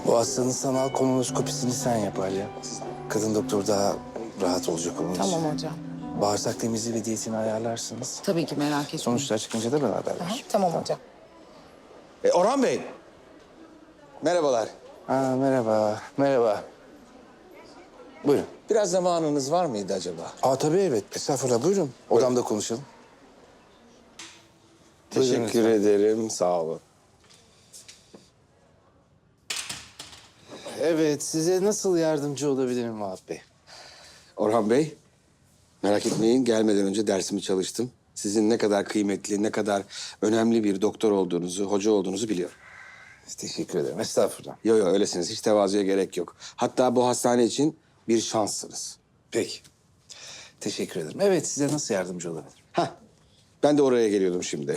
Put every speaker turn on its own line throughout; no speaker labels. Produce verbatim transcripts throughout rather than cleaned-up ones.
Bu hastanın sanal kolonoskopisini sen yap Alya. Kadın doktor daha rahat olacak onun için.
Tamam hocam.
Bağırsak temizliği ve diyetini ayarlarsınız.
Tabii ki merak etmeyin.
Sonuçlar çıkınca da beraber
Aha,
ver.
tamam hocam.
E, Orhan Bey. Merhabalar.
Aa, merhaba, merhaba. Buyurun.
Biraz zamanınız var mıydı acaba?
Aa, tabii evet. Estağfurullah, buyurun. Odamda konuşalım. Buyurun
Teşekkür
lütfen.
ederim. Sağ olun.
Evet, size nasıl yardımcı olabilirim Vahap Bey?
Orhan Bey, merak etmeyin. Gelmeden önce dersimi çalıştım. Sizin ne kadar kıymetli, ne kadar önemli bir doktor olduğunuzu, hoca olduğunuzu biliyorum.
Teşekkür ederim, estağfurullah.
Yo yo öylesiniz. Hiç tevazuya gerek yok. Hatta bu hastane için bir şanssınız.
Peki. Teşekkür ederim. Evet, size nasıl yardımcı olabilirim?
Heh, ben de oraya geliyordum şimdi.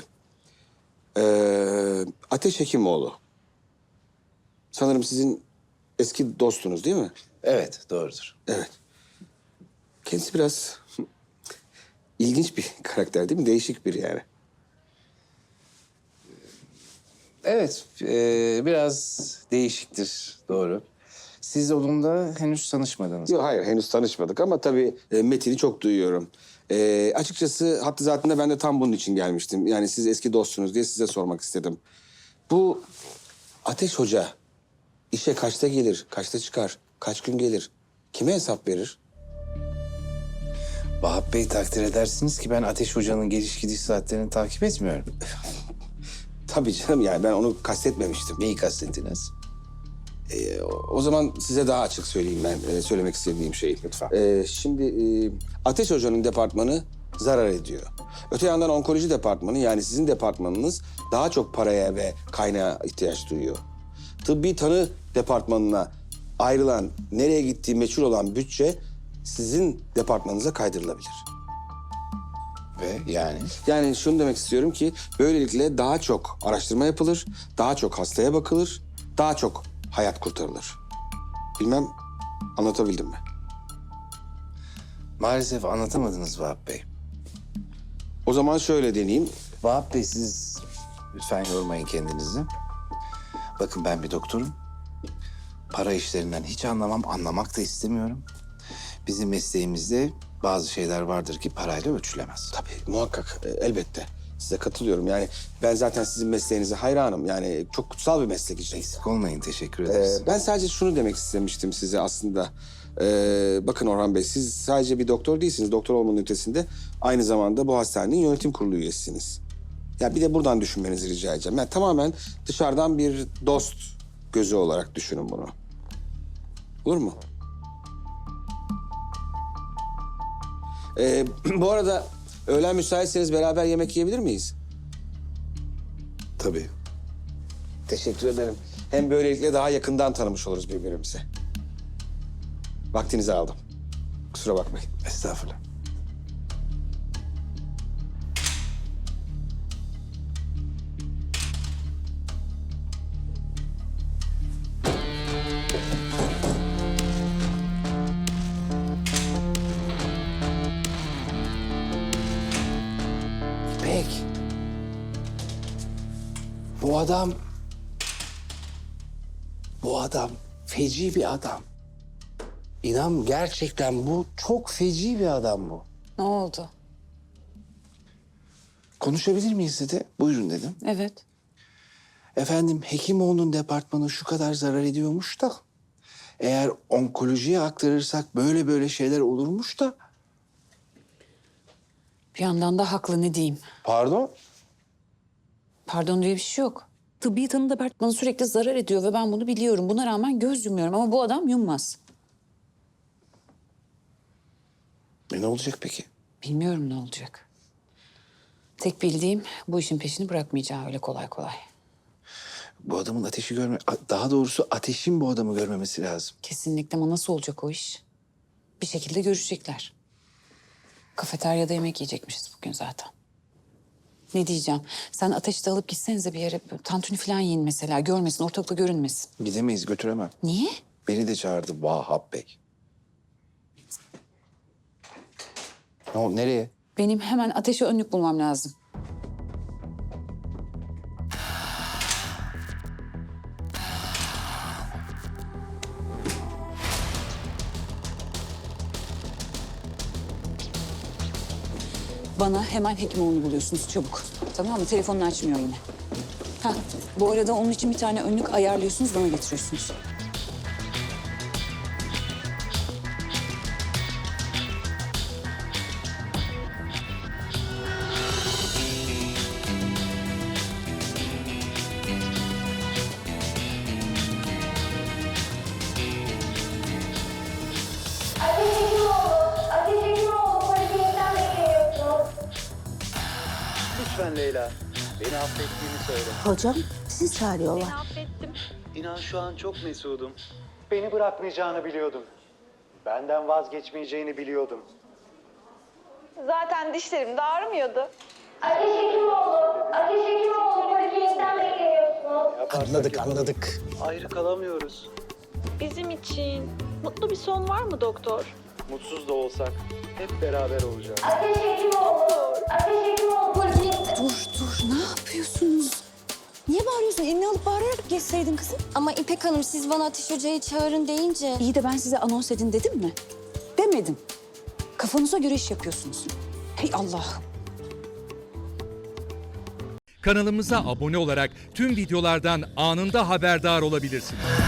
Ee, Ateş Hekimoğlu. Sanırım sizin eski dostunuz değil mi?
Evet, doğrudur.
Evet. Kendisi biraz ilginç bir karakter değil mi? Değişik biri yani.
Evet, e, biraz değişiktir, doğru. Siz onunla henüz tanışmadınız.
Yok hayır henüz tanışmadık ama tabii e, Metin'i çok duyuyorum. E, açıkçası hattı zatında ben de tam bunun için gelmiştim. Yani siz eski dostsunuz diye size sormak istedim. Bu Ateş Hoca işe kaçta gelir, kaçta çıkar, kaç gün gelir, kime hesap verir?
Vahap Bey, takdir edersiniz ki ben Ateş Hoca'nın geliş gidiş saatlerini takip etmiyorum.
Tabii canım yani ben onu kastetmemiştim.
Neyi kastettiniz?
E, o, o zaman size daha açık söyleyeyim ben e, söylemek istediğim şeyi.
Lütfen.
E, şimdi e, Ateş Hoca'nın departmanı zarar ediyor. Öte yandan onkoloji departmanı yani sizin departmanınız daha çok paraya ve kaynağa ihtiyaç duyuyor. Tıbbi tanı departmanına ayrılan, nereye gittiği meçhul olan bütçe sizin departmanınıza kaydırılabilir.
Ve yani?
Yani şunu demek istiyorum ki böylelikle daha çok araştırma yapılır, daha çok hastaya bakılır, daha çok hayat kurtarılır. Bilmem anlatabildim mi?
Maalesef anlatamadınız Vahap Bey.
O zaman şöyle deneyeyim.
Vahap Bey, siz lütfen yormayın kendinizi. Bakın, ben bir doktorum. Para işlerinden hiç anlamam, anlamak da istemiyorum. Bizim mesleğimizde bazı şeyler vardır ki parayla ölçülemez.
Tabii muhakkak e, elbette size katılıyorum. Yani ben zaten sizin mesleğinize hayranım. Yani çok kutsal bir meslek işte.
Eksik olmayın, teşekkür
Ee,
ederiz.
ben sadece şunu demek istemiştim size aslında. Ee, bakın Orhan Bey, siz sadece bir doktor değilsiniz. Doktor olmanın ötesinde aynı zamanda bu hastanenin yönetim kurulu üyesisiniz. Ya bir de buradan düşünmenizi rica edeceğim. Yani tamamen dışarıdan bir dost gözü olarak düşünün bunu. Olur mu? Ee, bu arada öğlen müsaitseniz beraber yemek yiyebilir miyiz?
Tabii.
Teşekkür ederim. Hem böylelikle daha yakından tanımış oluruz birbirimizi. Vaktinizi aldım. Kusura bakmayın.
Estağfurullah. İpek. Bu adam... Bu adam feci bir adam. İnan, gerçekten bu çok feci bir adam bu.
Ne oldu?
Konuşabilir miyiz dedi. Buyurun dedim.
Evet.
Efendim, Hekimoğlu'nun departmanı şu kadar zarar ediyormuş da... eğer onkolojiye aktarırsak böyle böyle şeyler olurmuş da...
Bir yandan da haklı, ne diyeyim.
Pardon?
Pardon diye bir şey yok. Tıbbi tanı departmanı sürekli zarar ediyor ve ben bunu biliyorum. Buna rağmen göz yumuyorum ama bu adam yummaz.
E ne olacak peki?
Bilmiyorum ne olacak. Tek bildiğim bu işin peşini bırakmayacağı öyle kolay kolay.
Bu adamın ateşi görme... Daha doğrusu ateşin bu adamı görmemesi lazım.
Kesinlikle, ama nasıl olacak o iş? Bir şekilde görüşecekler. Kafeteryada yemek yiyecekmişiz bugün zaten. Ne diyeceğim? Sen ateşi de alıp gitsenize bir yere. Tantuni falan yiyin mesela. Görmesin, ortalıkta görünmesin.
Gidemeyiz, götüremem.
Niye?
Beni de çağırdı Vahap Bey. Ne oldu, nereye?
Benim hemen ateşe önlük bulmam lazım. Bana hemen Hekimoğlu'nu buluyorsunuz çabuk. Tamam mı? Telefonunu açmıyor yine. Ha, bu arada onun için bir tane önlük ayarlıyorsunuz, bana getiriyorsunuz.
Ateş Hekimoğlu, Ateş Hekimoğlu poliklinikten bekleniyorsunuz.
Lütfen Leyla, beni affettiğini söyle.
Hocam sizi çağırıyorlar.
İnan şu an çok mesudum. Beni bırakmayacağını biliyordum. Benden vazgeçmeyeceğini biliyordum.
Zaten dişlerim de ağrımıyordu.
Ateş Hekimoğlu, Ateş Hekimoğlu poliklinikten bekleniyorsunuz.
Yaparsak
Anladık,
yapalım.
anladık.
Ayrı kalamıyoruz.
Bizim için mutlu bir son var mı doktor?
Mutsuz da olsak hep beraber olacağız.
Ateş Hekimoğlu, Ateş Hekimoğlu poliklinikten...
Dur, dur. Ne yapıyorsunuz? Niye bağırıyorsun? Elini alıp bağırarak geçseydin kızım.
Ama İpek Hanım siz bana Ateş Hoca'yı çağırın deyince...
İyi de ben size anons edin dedim mi? Demedim. Kafanıza göre iş yapıyorsunuz. Hey Allah'ım.
Kanalımıza abone olarak tüm videolardan anında haberdar olabilirsiniz.